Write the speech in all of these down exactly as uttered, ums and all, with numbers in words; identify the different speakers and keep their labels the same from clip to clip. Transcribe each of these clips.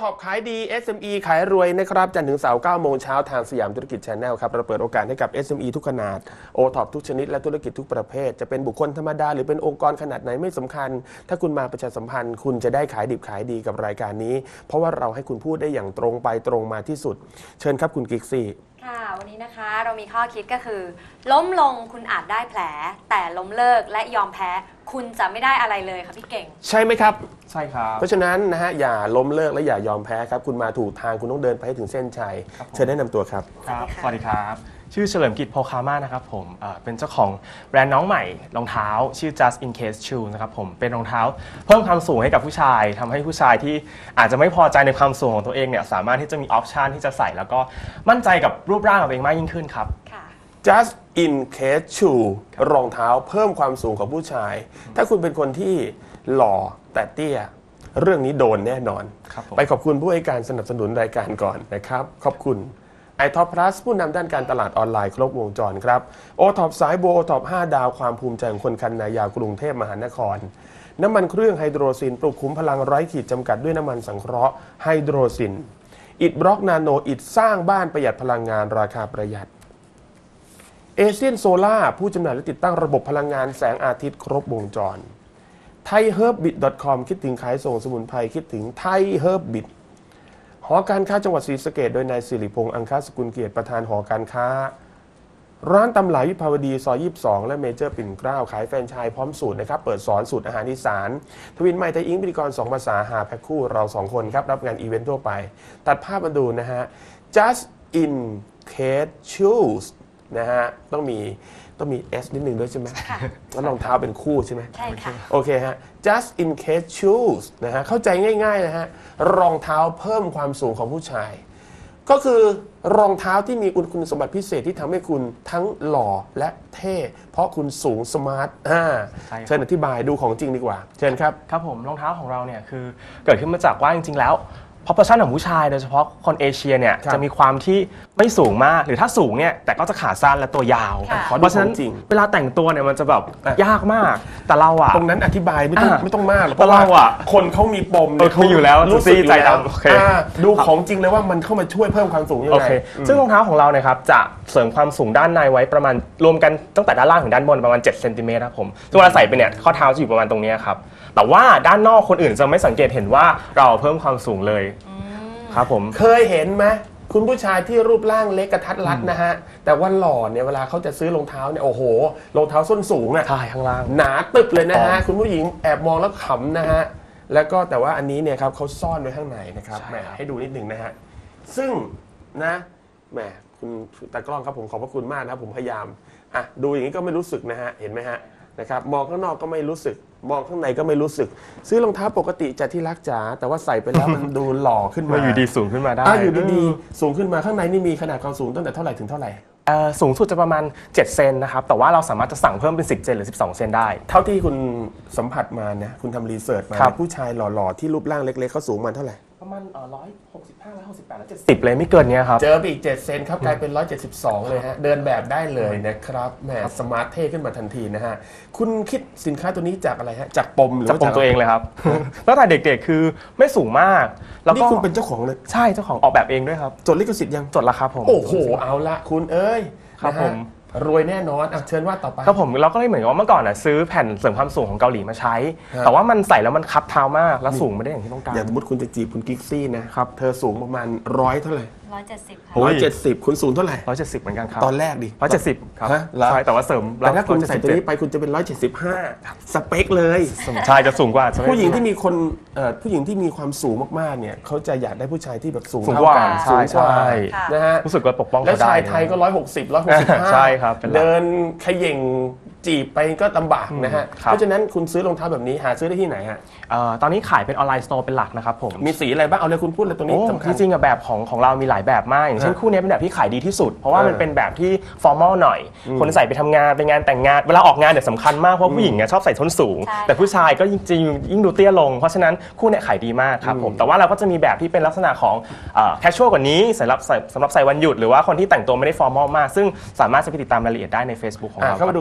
Speaker 1: ท็อปขายดี เอส เอ็ม อี ขายรวยนะครับจันทร์ถึงเสาร์เก้าโมงเช้าทางสยามธุรกิจ Channel ครับเราเปิดโอกาสให้กับ เอส เอ็ม อี ทุกขนาด โอ ท็อป ทุกชนิดและธุรกิจทุกประเภทจะเป็นบุคคลธรรมดาหรือเป็นองค์กรขนาดไหนไม่สำคัญถ้าคุณมาประชาสัมพันธ์คุณจะได้ขายดิบขายดีกับรายการนี้เพราะว่าเราให้คุณพูดได้อย่างตรงไปตรงมาที่สุดเชิญครับคุณกิ๊กซี่
Speaker 2: ค่ะวันนี้นะคะเรามีข้อคิดก็คือล้มลงคุณอาจได้แผลแต่ล้มเลิกและยอมแพ้คุณจะไม่ได้อะไรเลยค่ะพี่เก่ง
Speaker 1: ใช่ไหมครับ
Speaker 3: ใช่ครับ
Speaker 1: เพราะฉะนั้นนะฮะอย่าล้มเลิกและอย่ายอมแพ้ครับคุณมาถูกทางคุณต้องเดินไปให้ถึงเส้นชัยเชิญแนะนำตัวครับ
Speaker 3: ครับสวัสดีครับชื่อเฉลิมกิจโพคามานะครับผมเป็นเจ้าของแบรนด์น้องใหม่รองเท้าชื่อ just in case shoe นะครับผมเป็นรองเท้าเพิ่มความสูงให้กับผู้ชายทำให้ผู้ชายที่อาจจะไม่พอใจในความสูงของตัวเองเนี่ยสามารถที่จะมีออปชันที่จะใส่แล้วก็มั่นใจกับรูปร่างของตัวเองมากยิ่งขึ้นครับ
Speaker 1: just in case shoe รองเท้าเพิ่มความสูงของผู้ชายถ้าคุณเป็นคนที่หล่อแต่เตี้ยเรื่องนี้โดนแน่นอนไปขอบคุณผู้ให้การสนับสนุนรายการก่อนนะครับขอบคุณไอ ท็อป พลัส ผู้นำด้านการตลาดออนไลน์ครบวงจรครับ โอ ท็อป สายโบ โอ ท็อป ห้าดาวความภูมิใจของคนคันนายาวกรุงเทพมหานครน้ำมันเครื่องไฮโดรซินปลุกคุ้มพลังไร้ขีดจำกัดด้วยน้ำมันสังเคราะห์ไฮโดรซินอิฐบล็อกนาโนอิฐสร้างบ้านประหยัดพลังงานราคาประหยัดเอเชียนโซล่าผู้จำหน่ายและติดตั้งระบบพลังงานแสงอาทิตย์ครบวงจรไทยเฮิร์บบิท ดอท คอม คิดถึงขายส่งสมุนไพรคิดถึงไทยเฮิร์บบิทหอการค้าจังหวัดศรีสะเกษโดยนายสิริพงษ์อังคสกุลเกียรติประธานหอการค้าร้านตำหลายวิภาวดีซอยยี่สิบสองและเมเจอร์ปิ่นเกล้าขายแฟรนไชส์พร้อมสูตรนะครับเปิดสอนสูตรอาหารอีสานทวินไมไทยอิงพิธีกรสองภาษาหาแพ็คคู่เราสองคนครับรับงานอีเวนต์ทั่วไปตัดภาพมาดูนะฮะ just in case shoes นะฮะต้องมีต้องมี S นิดนึงด้วยใช่ไหมแล้วรองเท้าเป็นคู่ใช่ไหม
Speaker 2: ใช่ค่ะ
Speaker 1: โอเคฮะ just in case shoes นะฮะเข้าใจง่ายๆนะฮะรองเท้าเพิ่มความสูงของผู้ชายก็คือรองเท้าที่มีคุณสมบัติพิเศษที่ทำให้คุณทั้งหล่อและเท่เพราะคุณสูงสมาร์ทอ่าเชิญอธิบายดูของจริงดีกว่าเชิญครับ
Speaker 3: ครับผมรองเท้าของเราเนี่ยคือเกิดขึ้นมาจากว่าจริงๆแล้วproportion ของผู้ชายโดยเฉพาะคนเอเชียเนี่ยจะมีความที่ไม่สูงมากหรือถ้าสูงเนี่ยแต่ก็จะขาสั้นและตัวยาวเพราะฉะนั้นเวลาแต่งตัวเนี่ยมันจะแบบยากมากแต่เราอะ
Speaker 1: ตรงนั้นอธิบายไม่ต้องไม่ต้องมากหรอก
Speaker 3: เพราะเราอะ
Speaker 1: คนเขามีปม
Speaker 3: เขาอยู่แล้วรู้สึกใจด
Speaker 1: ำดูของจริงเลยว่ามันเข้ามาช่วยเพิ่มความสูงยังไง
Speaker 3: ซึ่งรองเท้าของเราเนี่ยครับจะเสริมความสูงด้านในไว้ประมาณรวมกันตั้งแต่ด้านล่างถึงด้านบนประมาณเจ็ดเซนติเมตรครับผมซึ่งเวลาใส่ไปเนี่ยข้อเท้าจะอยู่ประมาณตรงนี้ครับแต่ว่าด้านนอกคนอื่นจะไม่สังเกตเห็นว่าเราเพิ่มความสูงเลยครับผม
Speaker 1: เคยเห็นไหมคุณผู้ชายที่รูปร่างเล็กกระทัดรัดนะฮะแต่ว่าหล่อเนี่ยเวลาเขาจะซื้อรองเท้าเนี่ยโอ้โหรองเท้าส้นสูงอ่ะ
Speaker 3: ใช่ข้างล่าง
Speaker 1: หนาตึบเลยนะฮะคุณผู้หญิงแอบมองแล้วขำนะฮะแล้วก็แต่ว่าอันนี้เนี่ยครับเขาซ่อนไว้ข้างในนะครับแหมให้ดูนิดหนึ่งนะฮะซึ่งนะแหมคุณตากล้องครับผมขอบพระคุณมากนะผมพยายามอ่ะดูอย่างนี้ก็ไม่รู้สึกนะฮะเห็นไหมฮะนะครับมองข้างนอกก็ไม่รู้สึกมองข้างในก็ไม่รู้สึกซื้อรองเท้าปกติจะที่รักจ๋าแต่ว่าใส่ไปแล้วมันดูหล่อขึ้นมา
Speaker 3: อยู่ดีสูงขึ้นมาได้
Speaker 1: อยู่ดีๆสูงขึ้นมาข้างในนี่มีขนาดความสูงตั้งแต่เท่าไหร่ถึงเท่าไหร่
Speaker 3: สูงสุดจะประมาณเจ็ดเซนนะครับแต่ว่าเราสามารถจะสั่งเพิ่มเป็นสิบเซนหรือสิบสองเซนได้
Speaker 1: เท่าที่คุณสัมผัสมานะคุณทำรีเสิร์ชมาผู้ชายหล่อๆที่รูปร่างเล็กๆเขาสูงมันเท่าไหร่
Speaker 3: ประมาณร้อยหกสิบห้าร้อยหกสิบแปดร้อยเจ็ดสิบเลยไม่เกินนี้ครับ
Speaker 1: เจอไปอีกเจ็ดเซนครับกลายเป็นร้อยเจ็ดสิบสองเลยฮะเดินแบบได้เลยนะครับแหมสมาร์ทเท่ขึ้นมาทันทีนะฮะคุณคิดสินค้าตัวนี้จากอะไรฮะจากปมหรือ
Speaker 3: จากปมตัวเองเลยครับตั้งแต่เด็กๆคือไม่สูงมาก
Speaker 1: แล้วนี่คุณเป็นเจ้าของเลย
Speaker 3: ใช่เจ้าของออกแบบเองด้วยครับ
Speaker 1: จดลิขสิทธิ์ยัง
Speaker 3: จดแล้วครับผม
Speaker 1: โอ้โหเอาละคุณเอ้ย
Speaker 3: ครับผม
Speaker 1: รวยแน่นอนอ่ะเชิญว่าต่อไป
Speaker 3: ครับผมเราก็เลยเหมือนว่าเมื่อก่อนอ่ะซื้อแผ่นเสริมความสูงของเกาหลีมาใช้แต่ว่ามันใส่แล้วมันคับเท้ามากแล้วสูงไม่ได้อย่างที่ต้องการ
Speaker 1: อย่างสมมติคุณจะจีบคุณกิ๊กซี่นะครับเธอสูงประมาณร้อยเท่าไหร่
Speaker 2: ร้อยเจ็ดสิบค่ะ
Speaker 1: ร้อยเจ็ดสิบคุณสูงเท่าไหร่
Speaker 3: ร้อยเจ็ดสิบเหมือนกันครับ
Speaker 1: ตอนแรกดิ
Speaker 3: ร้อยเจ็ดสิบครับใช่แต่ว่าเสริม
Speaker 1: แต่ถ้าคุณใส่ตัวนี้ไปคุณจะเป็นร้อยเจ็ดสิบห้าสเปคเลย
Speaker 3: ใช่จะสูงกว่า
Speaker 1: ผู้หญิงที่มีคนผู้หญิงที่มีความสูงมากๆเนี่ยเขาจะอยากได้ผู้ชายที่แบบสูง
Speaker 3: เท่ากัน
Speaker 1: ใช่ใช่นะฮะ
Speaker 3: รู้สึกว่าปกป้อง
Speaker 1: แล้วชายไทยก็ร้อยหกสิบร้อยหกสิบห้า
Speaker 3: ใช่ครับ
Speaker 1: เดินเขย่งจีบไปก็ลำบากนะฮะเพราะฉะนั้นคุณซื้อรองเท้าแบบนี้หาซื้อได้ที่ไหนฮะ
Speaker 3: ตอนนี้ขายเป็นออนไลน์สโตร์เป็นหลักนะครับผม
Speaker 1: มีสีอะไรบ้างเอาเลยคุณพูดเลยตรงนี้
Speaker 3: สำคัญจริงๆแบบของของเรามีหลายแบบมากอย่างเช่นคู่นี้เป็นแบบที่ขายดีที่สุดเพราะว่ามันเป็นแบบที่ฟอร์มอลหน่อยคนใส่ไปทำงานไปงานแต่งงานเวลาออกงานเนี่ยสำคัญมากเพราะผู้หญิงเนี่ยชอบใส่ส้นสูงแต่ผู้ชายก็จริงๆยิ่งดูเตี้ยลงเพราะฉะนั้นคู่นี้ขายดีมากครับผมแต่ว่าเราก็จะมีแบบที่เป็นลักษณะของแคชชวลกว่านี้สำหรับสำหรับใส่วันหยุดหรือว่าคนที่แต่งตัวไม่ได้ฟอร์มอลมากซึ่งสามารถจะไปติดตามรายละเอียดได้ใน Facebook ของเรา
Speaker 1: เข้ามาดู Facebook นะ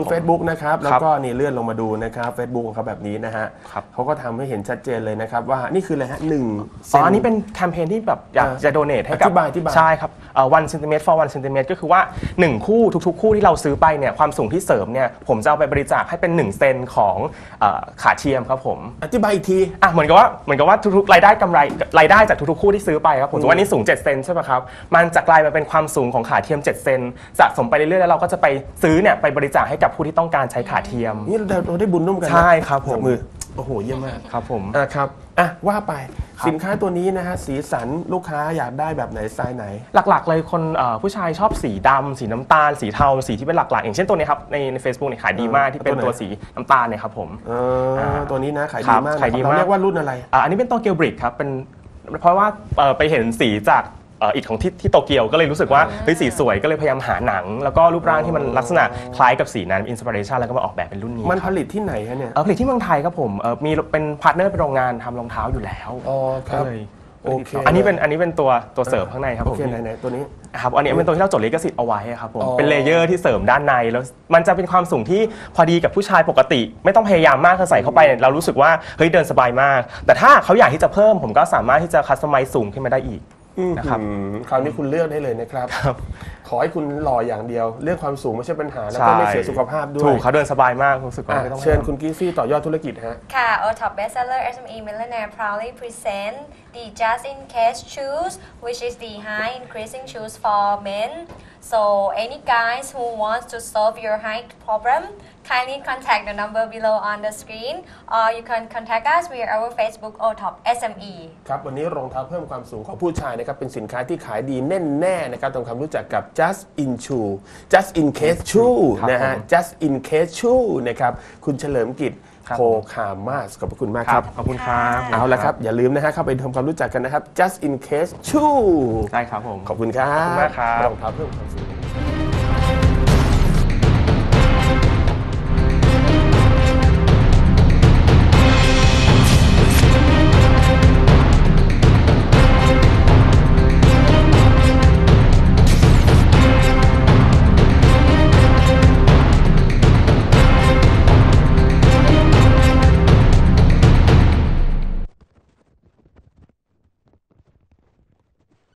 Speaker 1: นะครับแล้วก็นี่เลื่อนลงมาดูนะครับ Facebook ของเขาแบบนี้นะฮะ
Speaker 3: ครับ
Speaker 1: เขาก็ทำให้เห็นชัดเจนเลยนะครับว่านี่คืออะไรฮะหนึ่งเซ
Speaker 3: อ๋อน อันนี้เป็นแคมเปญที่แบบอยากจะโดเนทให้กับ
Speaker 1: อธิบายอธิบาย
Speaker 3: ใช่ครับเอ่อ one centimeter for one centimeter ก็คือว่าหนึ่งคู่ทุกๆ คู่ที่เราซื้อไปเนี่ยความสูงที่เสริมเนี่ยผมจะเอาไปบริจาคให้เป็นหนึ่งเซนของเอ่อขาเทียมครับผม
Speaker 1: อธิบายอีกที
Speaker 3: อ่ะเหมือนกับว่าเหมือนกับว่าทุกๆรายได้กำไรรายได้จากทุกๆคู่ที่ซื้อไปครับผมสมมติว่านี่สูงเจ็ดเซนใช่ไหมครับมันจะกลายมาเป็นความสูงของขาเทียมเจ็ดเซนสะสมไปเรื่อยๆแล้วเราก็จะไปซื้อเนี่ยไปบริจาคให้กับผู้ที่ต้องการใช้ขาเทียม
Speaker 1: นี่เราเราได้บุญร่วมกันนะ
Speaker 3: ใช่ครับผม
Speaker 1: จัมือโอ้โหเยี่ยมมาก
Speaker 3: ครับผม
Speaker 1: อ่ะครับอ่ะว่าไป
Speaker 3: ครับ
Speaker 1: สินค้าตัวนี้นะฮะสีสันลูกค้าอยากได้แบบไหนสไตล์ไหน
Speaker 3: หลักๆเลยคนเอ่อผู้ชายชอบสีดำสีน้ำตาล สีเทาสีที่เป็นหลักๆอย่างเช่นตัวนี้ครับในใน Facebook เนี่ยขายดีมากที่เป็น
Speaker 1: ตัวไหน
Speaker 3: ตัวสีน้ำตาลเนี่ยครับผม
Speaker 1: เออตัวนี้นะขาย
Speaker 3: ครั
Speaker 1: ดี
Speaker 3: บ
Speaker 1: มาก
Speaker 3: ขายดี
Speaker 1: นะครับ
Speaker 3: มาก
Speaker 1: เราเรียกว่ารุ่นอะไร
Speaker 3: อ่ะอันนี้เป็นโตเกียวบริกครับเป็นเพราะว่าเอ่อไปเห็นสีจากเอ่ออิฐของที่ที่โตเกียวก็เลยรู้สึกว่าเฮ้ยสีสวยก็เลยพยายามหาหนัง แล้วก็รูปร่างที่มันลักษณะคล้ายกับสีนั้นอินสปิเรชันแล้วก็มาออกแบบเป็นรุ่นนี้
Speaker 1: มัน
Speaker 3: ค
Speaker 1: ผ
Speaker 3: รับ
Speaker 1: ลิตที่ไหนฮะเนี่ย
Speaker 3: เอ่อผลิตที่เมืองไทยครับผมเอ่อมีเป็นพาร์ทเนอร์เป็นโรงงานทำรองเท้าอยู่แล้ว
Speaker 1: อ๋อครับ
Speaker 3: ก็เลย
Speaker 1: โอเค
Speaker 3: อันนี้เป็นอันนี้เป็นตัวตัวเสริมข้างในครับ
Speaker 1: โอ
Speaker 3: ผม
Speaker 1: เคไหนๆตัวนี้
Speaker 3: ครับอันนี้เป็นตัวที่เราจดลิขสิทธิ์เอาไว้ครับผม
Speaker 1: อ๋อ
Speaker 3: เป็นเลเยอร์ที่เสริมด้านในแล้วมันจะเป็นความสูงที่พอดีกับผู้ชายปกติ ไม่ต้องพยายามมากคือใส่เข้าไปเนี่ยเรารู้สึกว่าเฮ้ยเดินสบายมาก แต่ถ้าเขาอยากที่จะเพิ่มผมก็สามารถที่จะคัสตอมไมซ์สูงขึ้นมาได้อีก นะครับ
Speaker 1: อืมคราวนี้คุณเลือกได้เลยนะครับ
Speaker 3: ครับ
Speaker 1: ขอให้คุณหล่ออย่างเดียว เรื่องความสูงไม่ใช่ปัญหา แล้วก็ไม่เสียสุขภาพด้วย
Speaker 3: ถูกเขาเดินสบายมากรู้สึกว่า
Speaker 1: อ่ะ
Speaker 3: ไม่ต้อง
Speaker 1: เชิญคุณกิฟฟี่ต่อยอดธุรกิจฮะ
Speaker 2: ค่ะ O Top Bestseller เอส เอ็ม อี Millionaire proudly present the Just in Case shoes which is the high increasing shoes for men so any guys who wants to solve your height problem kindly contact the number below on the screen or you can contact us via our Facebook O Top เอส เอ็ม อี
Speaker 1: ครับวันนี้รองเท้าเพิ่มความสูงของผู้ชายนะครับเป็นสินค้าที่ขายดีแน่แน่นะครับทำความรู้จักกับ Just in Shoe Just in Case Shoe
Speaker 3: ครับ
Speaker 1: นะฮะ
Speaker 3: ผม
Speaker 1: Just in Case Shoe นะครับคุณเฉลิมกิจ
Speaker 3: ครับ
Speaker 1: โคคามาสขอบพระคุณมาก
Speaker 3: ค
Speaker 1: ค
Speaker 3: รั
Speaker 1: รั
Speaker 3: บบ ขอบคุณครับ
Speaker 1: เอาละครับอย่าลืมนะฮะเข้าไปทำความรู้จักกันนะครับ Just in Case Shoe
Speaker 3: ได้ครับผม
Speaker 1: ขอบคุณครับ
Speaker 3: ขอบคุณมากครับ
Speaker 1: รองเท้าเพิ่มความสูง